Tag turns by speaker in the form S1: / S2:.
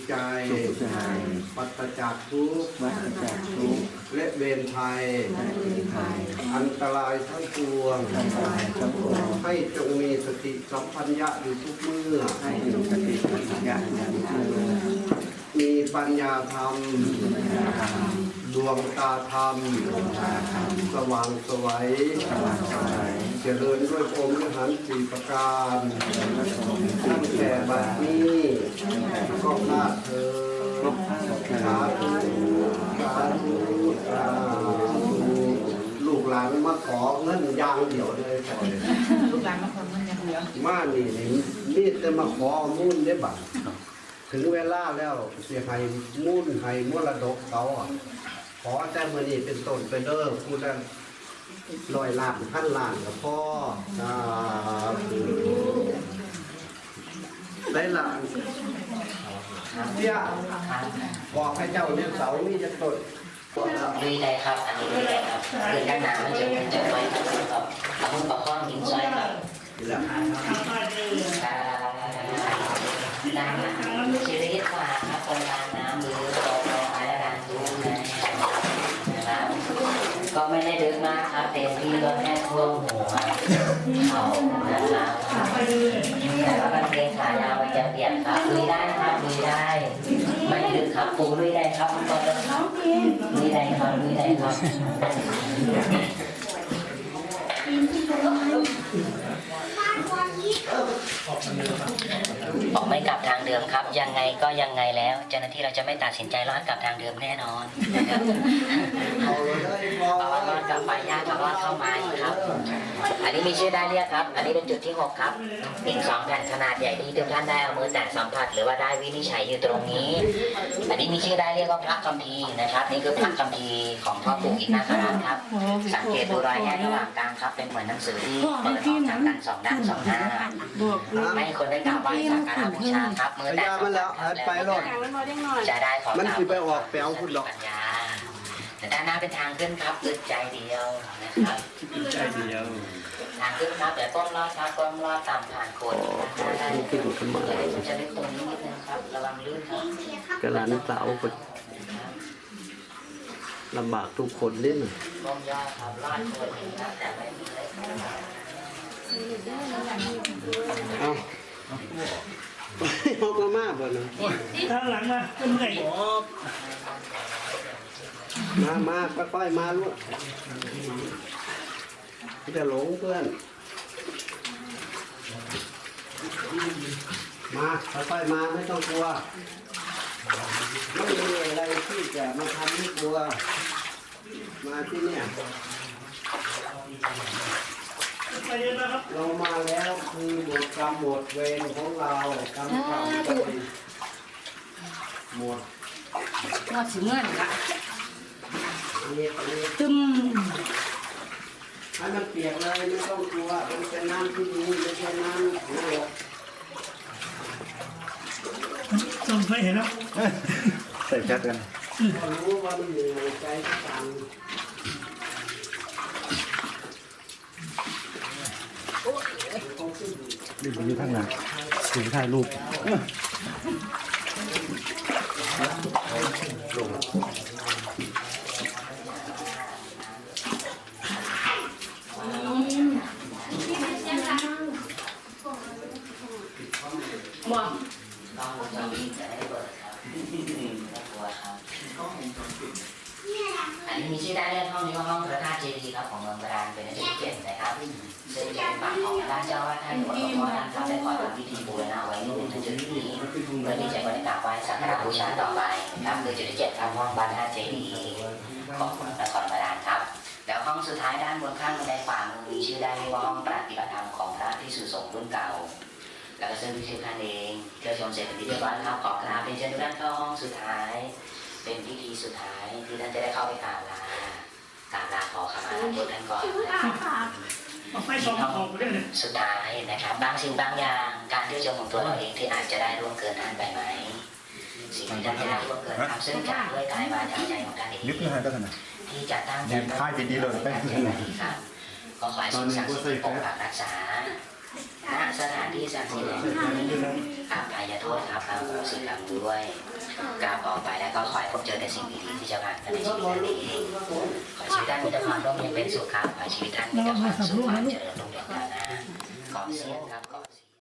S1: ใจปัสจากทุกข์และเวรภัยอันตรายทั้งปวงให้จงมีสติสัมปัญญะอยู่ทุกเมื่อมีปัญญาธรรมดวงตาธรรมสว่างไสวเจริญด้วยพรหมวิหารสี่ประการตั้งแต่บัดนี้ก็นาเธอสาธุสาธุสาธุลูกหลานมาขอเงินยางเดียวเลย
S2: ลูกหลานมาขอเงินอย่างเดียว
S1: มานี่จะมาขอมุ่นได้บัตรถึงเวลาแล้วเสียให้มุ่นให้มรดกเขาขอแต่เมื่อนี้เป็นต้นไปเด้อพูดได้100 ล้าน1,000 ล้านกับพ่อได้หลานเสียบอกให้เจ้าเนี่ยเสามีจะต้น
S3: ลุยได้ครับอันนี้ลุยได้ครับคือด้านหน้ามันจะไว้ครับเอามือประคองหินซ้อยครับน้ำชีวิตกว่าครับคนทานน้ำหรือตกลงไปแล้วการดูนะครับก็ไม่ได้ดึกมากครับเต็มที่ก็แค่ท่วมหัวเขานะครับแต่ว่ามันเพลงขายาวมันจะเปลี่ยนครับลุยได้ครับลุยได้ไม่ดึกครับปูลุยได้ครับก็ลุยได้ครับลุยได้ครับออกไม่กลับทางเดิมครับยังไงก็ยังไงแล้วเจ้าหน้าที่เราจะไม่ตัดสินใจรอดกลับทางเดิมแน่นอนเพราะว่ารอดกลับไปยากกับรอดเข้ามาอีกครับอันนี้มีชื่อได้เรียกครับอันนี้เป็นจุดที่6ครับอีก2 แผ่นขนาดใหญ่ที่ทุกท่านได้เอามือแตะสัมผัสหรือว่าได้วินิจฉัยอยู่ตรงนี้อันนี้มีชื่อได้เรียกว่าพระคัมภีร์นะครับนี่คือพระคัมภีร์ของพ่อปู่อินทนาคราชครับสังเกตดูรอยแยกระหว่างกลางครับเป็นเหมือนหนังสือที่เปิดออกจากกัน2 ด้าน2 หน้าไม่ให้คนได้กราบไหว้สักการะบูชาครับมือแตะสัมผัสแล้วจะได้ของมันคือไปออกแปลวคุณหรอกแต่ด้านหน้าเป็นทางขึ้นครับอึดใจเดียวนะครับใจเดียวทางขึ้นครับแต่ก้มลอดครับก้มลอดตามผ่านโคนได้จะลึกตรงนี้นิดนึงครับระวังลื่นครับ
S1: กระหลานสาวลำบากทุกคนเล่น
S3: ก้มย่อครับลอดโคนเองครับแต่ไม่มีเลย
S1: เอาเขาก็มากบ่นะ
S2: ข้างหลังมาเป็นไง
S1: มาค่อยๆมาลูกจะหลงเพื่อนมาค่อยๆมาไม่ต้องกลัวไม่มีอะไรที่จะมาทำให้กลัวมาที่เนี่ยเรามาแล้วคือหมดกรรมหมดเวรของเรากรรมเก่าหมด
S2: ว่าถึงเงินละตึม
S1: ให้มันเปียกเลยไม่ต้องกลัวมันเป็นน้ำที่ดีไม่ใช่น้ำโลก
S2: ส่งไปเห็นแล้ว
S4: ใส่ชัดกัน
S1: รู้ว่ามันอยู่ในใจต่าง
S4: รีบอยู่ข้างหลังถึงถ่ายรูป
S3: อันนี้มีชื่อได้เรื่องห้องนี้ว่าห้องพระธาตุเจดีย์ครับของเมืองบาดาลเป็นจุดที่7นะครับซึ่งเป็นปากของด้านเจ้าว่าท่านหลวงพ่อท่านครับได้ขอทำพิธีบูรณะไว้ในจุดที่นี้เพื่อที่จะบริจาคไว้สักการะบูชาต่อไปครับคือจุดที่7ครับห้องพระธาตุเจดีย์ของนครบาดาลครับแล้วห้องสุดท้ายด้านบนข้างบันไดขวามือมีชื่อได้ว่าห้องปฏิบัติธรรมของพระภิกษุสงฆ์รุ่นเก่าแล้วก็ซึ่งพิธีการเองเที่ยวชมเสร็จเป็นที่เรียบร้อยครับขอกราบเป็นเชิญทุกท่านเข้าห้องสุดท้ายเป็นพิธีสุดท้ายที่ท่านจะได้เข้าไปกราบลขอขมาตัวท่านก่อนสุดท้ายนะครับบางสิ่งบางอย่างการเที่ยวชมของตัวเราเองที่อาจจะได้ร่วงเกินท่านไปไหมสิ่งที่ท่านจะได้ร่วงเกินทำซึ่งจากด้วยกายวาจาใจของท่านเองที่จะตั้งใจ
S4: ค่ายดีๆเลยไป
S3: ครับก็ขอให้สิ่งศักดิ์สิทธิ์ปกปักรักษาณสถานที่ศักดิ์สิทธิ์แห่งนี้อภัยโทษครับอโหสิกรรมด้วยกราบออกไปแล้วก็ขอให้พบเจอแต่สิ่งดีๆที่จะผ่านมาในชีวิตท่านเองขอชีวิตท่านมีแต่ความร่มเย็นเป็นสุขครับขอชีวิตท่านมีแต่ความสุขความเจริญรุ่งเรืองก้าวหน้าขอเสียงครับ